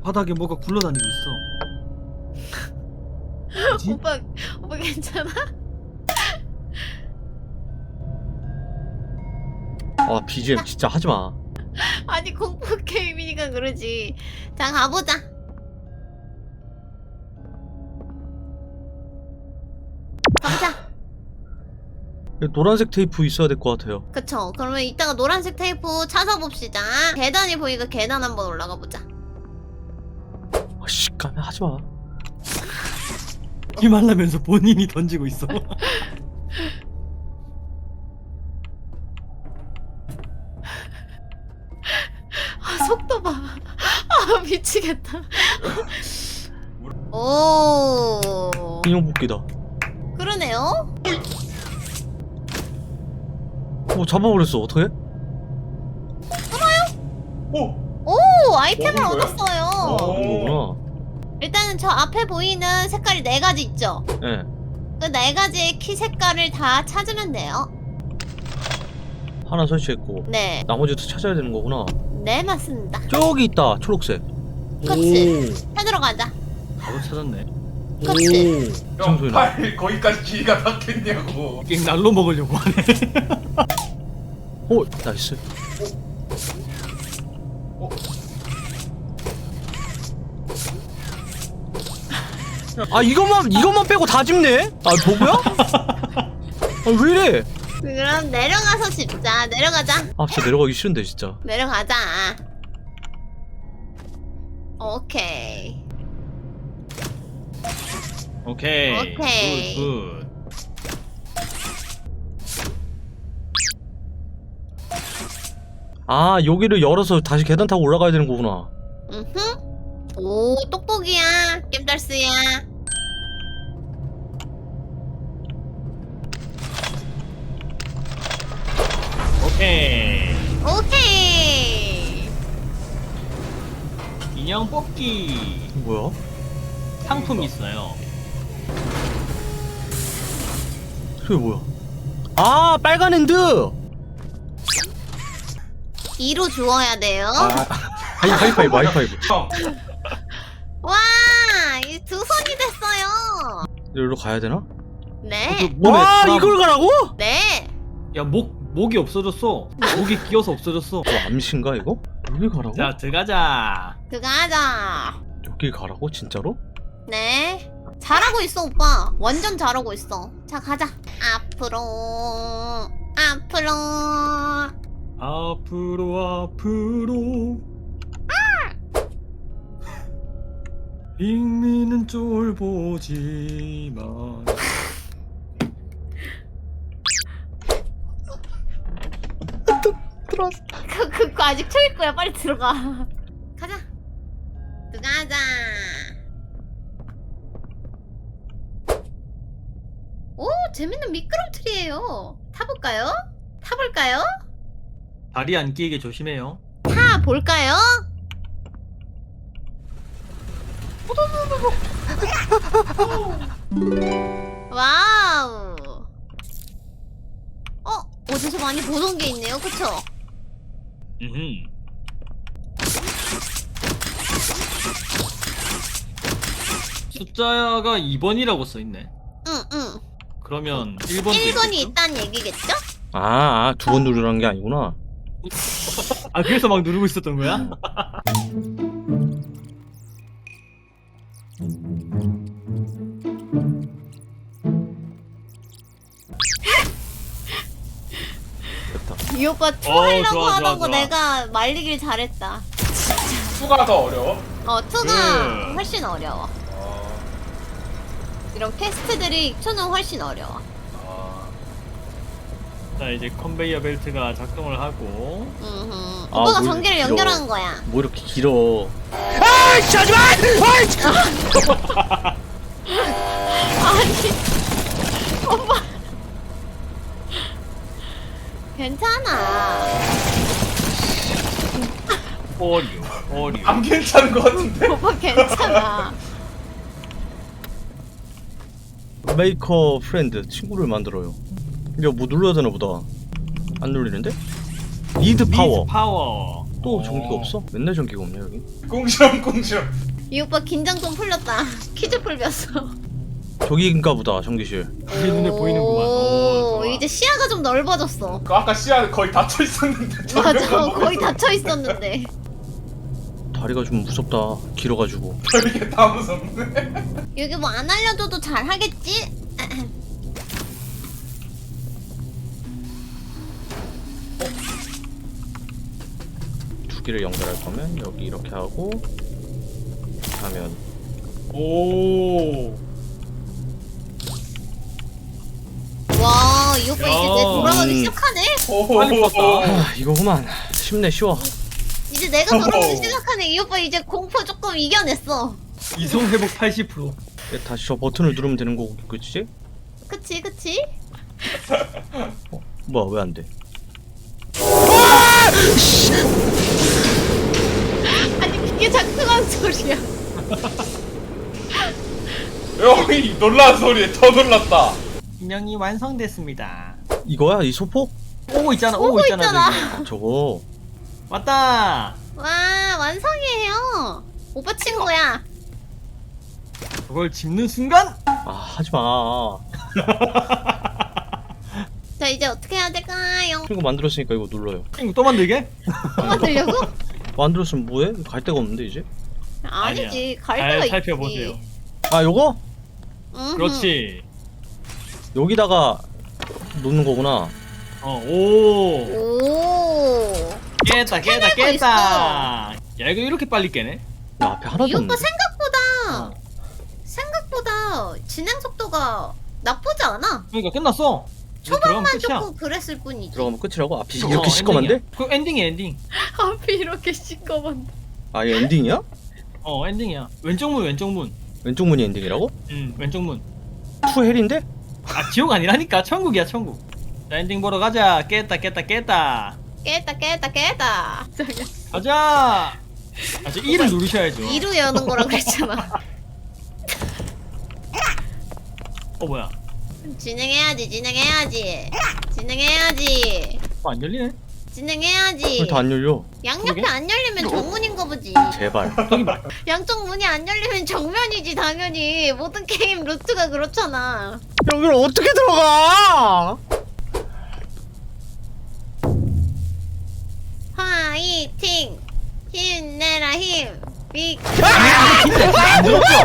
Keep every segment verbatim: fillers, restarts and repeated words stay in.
바닥에 뭐가 굴러다니고 있어. 뭐지? 오빠 오빠 괜찮아? 아 비지엠 진짜 하지마. 아니 공포 게임이니까 그러지. 자 가보자. 가보자. 노란색 테이프 있어야 될 것 같아요. 그쵸. 그러면 이따가 노란색 테이프 찾아봅시다. 계단이 보니까 계단 한번 올라가 보자. 아씨 까면 하지마. 힘하려면서 본인이 던지고 있어. 아 속도 봐. 아 미치겠다. 오. 인형 뽑기다. 그러네요. 어 잡아버렸어. 어떡해? 오! 오 아이템을 먹은 거야? 얻었어요. 오. 이거구나. 일단은 저 앞에 보이는 색깔이 네 가지 있죠. 예. 그 네 가지의 키 색깔을 다 찾으면 돼요. 하나 설치했고 네, 나머지도 찾아야 되는 거구나. 네 맞습니다. 저기 있다. 초록색. 그치. 찾으러 가자. 바로 찾았네. 그치. 이상 소리 나. 형팔 거기까지 길이가 닿겠냐고. 갱 날로 먹으려고 하네. 오 나이스. 아 이것만 이것만 빼고 다 집네? 아 버그야? 아 왜 이래? 그럼 내려가서 집자. 내려가자. 아 진짜 내려가기 싫은데 진짜. 내려가자. 오케이. 오케이. 오케이. 굿, 굿. 아 여기를 열어서 다시 계단 타고 올라가야 되는 거구나. 음흠. 오 똑똑이야. 겜달스야. 오케이. 오케이. 인형 뽑기. 뭐야? 상품 있어요. 그게 뭐야? 아 빨간 핸드. 이로 주워야 돼요. 아 하이 하이파이브 하이파이브. 형, 와, 이 두 손이 됐어요. 여기로 가야 되나? 네. 몸에 아 사람- 이걸 가라고? 네. 야, 목 목이 없어졌어. 목이 끼어서 없어졌어. 저 암신가 이거? 여기 가라고? 자, 들어가자. 들어가자. 여기 가라고 진짜로? 네. 잘하고 있어, 오빠. 완전 잘하고 있어. 자, 가자. 앞으로. 앞으로. 앞으로 앞으로. 빅미는 쫄보지만. 들어왔어. 그, 그거 아직 초일 거야. 빨리 들어가. 가자. 들어가자. 오, 재밌는 미끄럼틀이에요. 타볼까요? 타볼까요? 다리 안 끼게 조심해요. 타볼까요? 와우. 어? 어디서 많이 보던 게 있네요. 그쵸? 음. 숫자가 이 번이라고 써 있네. 응, 응. 그러면 일 번도 일 번이 있겠죠? 있다는 얘기겠죠? 아, 두 번 누르라는 게 아니구나. 아, 그래서 막 누르고 있었던 거야? 됐다. 이 오빠 투 어, 하려고 좋아, 좋아, 하던 거 좋아. 내가 말리길 잘했다. 수가 더 어려워. 어, 투가 그. 훨씬 어려워. 어, 이런 퀘스트들이 투는 훨씬 어려워. 어. 자, 이제 컨베이어 벨트가 작동을 하고. 음흠. 아, 오빠가 뭘 전기를 길어. 연결하는 거야. 뭐 이렇게 길어? 아이씨 하지마! 아이씨! 아니, 오빠. 괜찮아. 어류, 어류. 안 괜찮은 것 같은데? 오빠 괜찮아. 메이커 프렌드 친구를 만들어요. 이거 뭐 눌러야 되나 보다. 안 눌리는데? 리드 파워. 미드 파워. 또 전기가 없어? 맨날 전기가 없냐 여기? 꽁시렁 꽁시렁. 이 오빠 긴장 좀 풀렸다. 퀴즈 풀렸어. 저기인가 보다 전기실. 우리 눈에 보이는구만. 오, 오, 좋아. 이제 시야가 좀 넓어졌어. 그 아까 씨앗 거의 닫혀 있었는데. 맞아, 거의 닫혀 있었는데. 다리가 좀 무섭다. 길어가지고. 별게 다 무섭네. 여기 뭐 안 알려줘도 잘 하겠지? 두 개를 연결할 거면 여기 이렇게 하고 하면 오. 와, 이 오빠 이제 내 돌아가기 음. 시작하네? 빨리 풀었다. 아 이거구만. 쉽네 쉬워. 이제 내가 돌아가기 시작하네. 이 오빠 이제 공포 조금 이겨냈어. 이성 회복 팔십 퍼센트. 얘 다시 저 버튼을 누르면 되는 거고 그치? 그치, 그치? 어, 뭐야 왜 안 돼? 아니, 그게 작동한 소리야. 여기 놀란 소리에 더 놀랐다. 인형이 완성됐습니다. 이거야 이 소폭? 오고 있잖아. 오고, 오고 있잖아. 있잖아. 저기. 아, 저거. 왔다. 와, 완성이에요. 오빠 친구야. 그걸 짚는 순간 아 하지마. 자, 이제 어떻게 해야 될까요? 이거 만들었으니까 이거 눌러요. 이거 또 만들게? 또 만들려고? 만들었으면 뭐해? 갈 데가 없는데 이제? 아니지, 갈 잘 데가 있지. 살펴보세요. 아 요거? 음흠. 그렇지. 여기다가 놓는 거구나. 어, 오. 오. 깼다, 깼다, 해내고 깼다. 있어. 야, 이거 이렇게 빨리 깨네? 야, 앞에 하나도 이 오빠 없네. 생각보다 어. 생각보다 진행 속도가 나쁘지 않아. 그러니까 끝났어. 이제 들어가면 초반만 끝이야. 조금 그랬을 뿐이지. 들어가면 끝이라고? 앞이 어, 이렇게 시꺼먼데? 엔딩이야. 그 엔딩이야, 엔딩. 앞이 이렇게 시꺼먼데. 아 이게 엔딩이야? 어, 엔딩이야. 왼쪽 문, 왼쪽 문. 왼쪽 문이 엔딩이라고? 응, 왼쪽 문. 투 헬인데? 아, 지옥 아니라니까. 천국이야, 천국. 자, 엔딩 보러 가자. 깼다, 깼다, 깼다. 깼다 깼다 깼다. 가자. 아, 저 이를 누르셔야죠. 이루 여는 거라 그랬잖아. 어, 뭐야? 진행해야지 진행해야지 진행해야지 어, 안 열리네? 진행해야지. 왜 다 안 열려? 양옆에 그러게? 안 열리면 정문인 거 보지. 제발. 저기 봐. 양쪽 문이 안 열리면 정면이지 당연히. 모든 게임 루트가 그렇잖아. 여기를 어떻게 들어가? 화이팅! 힘내라 힘! 빅! 안 들었죠?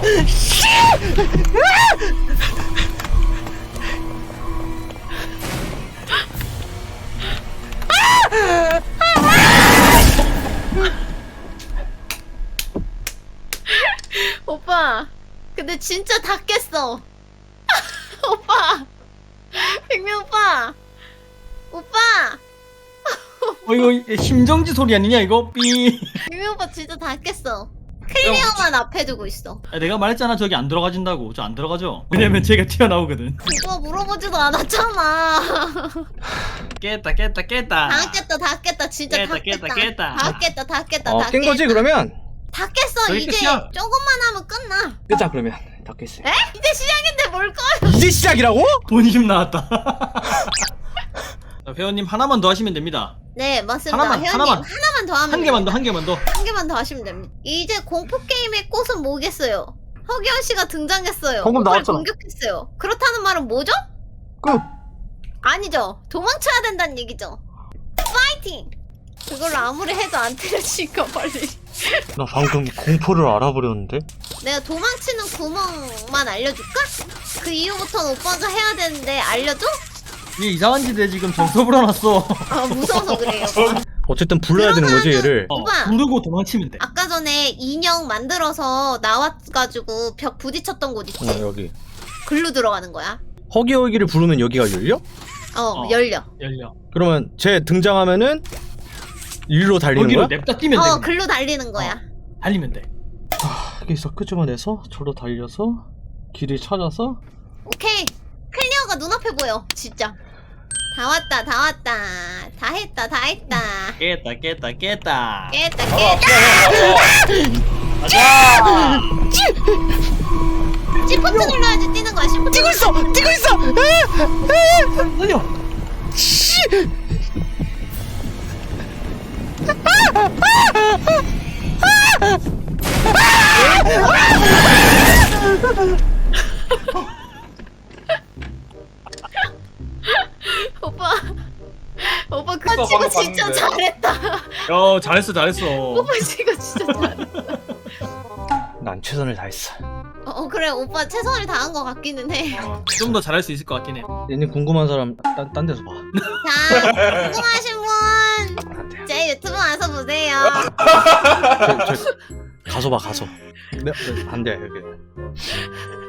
오빠 근데 진짜 다 깼어. 오빠 백명 오빠 오빠 어, 이거 심정지 소리 아니냐, 이거? 삐. 백명 오빠 진짜 다 깼어. 클리어만 앞에 두고 있어. 아, 내가 말했잖아, 저기 안 들어가진다고. 저 안 들어가죠? 왜냐면 제가 튀어나오거든. 오빠 물어보지도 않았잖아. 깼다, 깼다, 깼다. 다 깼다 다 깼다 진짜 깼다, 다 깼다 깼다, 깼다. 다 깼다 다 깼다 어, 다 깬 거지 깼다. 그러면? 다 깼어. 저기 이제 끝이야. 조금만 하면 끝나. 끄자 그러면. 다 깼어. 에? 이제 시작인데 뭘 꺼요? 이제 시작이라고? 본심 나왔다. 자, 회원님 하나만 더 하시면 됩니다. 네 맞습니다. 하나만, 회원님 하나만. 하나만 더 하면 한 개만 더, 됩니다. 한 개만 더. 한 개만 더 하시면 됩니다. 이제 공포 게임의 꽃은 뭐겠어요? 허기현 씨가 등장했어요. 방금 오빠를 나왔잖아. 공격했어요. 그렇다는 말은 뭐죠? 끝. 아니죠. 도망쳐야 된다는 얘기죠. 파이팅! 그걸로 아무리 해도 안 때려치니까 빨리. 나 방금 공포를 알아버렸는데? 내가 도망치는 구멍만 알려줄까? 그 이후부터는 오빠가 해야 되는데 알려줘? 얘 이상한 짓에 지금 정서 불어났어. 아 무서워서 그래요. 어쨌든 불러야 되는 거지 얘를. 어, 오빠. 부르고 도망치면 돼. 아까 전에 인형 만들어서 나와가지고 벽 부딪혔던 곳 있지? 어 여기. 글로 들어가는 거야. 허기허기를 부르면 여기가 열려? 어, 어. 열려. 열려. 그러면 쟤 등장하면은 일로 달리는 거기로 거야? 냅다 뛰면 돼. 어, 그냥. 글로 달리는 거야. 달리면 돼. 여기서 끄집어내서 저로 달려서 길을 찾아서 오케이. 클리어가 눈앞에 보여. 진짜. 다 왔다, 다 왔다. 다 했다, 다 했다. 깼다, 깼다, 깼다. 깼다, 아, 깼다. 가자. 시프트 눌러야지 뛰는 거야, 시프트. 뛰고 있어! 뛰고 있어! 살려. 아! 잘했다. 야 잘했어 잘했어. 오빠 지금 진짜 잘했어. 난 최선을 다했어. 어, 어 그래 오빠 최선을 다한 것 같기는 해. 좀 더 잘할 수 있을 것 같긴 해. 얘네 궁금한 사람 딴, 딴 데서 봐. 자 궁금하신 분 안 돼. 제 유튜브 와서 보세요. 저, 저, 가서 봐 가서. 네, 네, 안 돼 여기.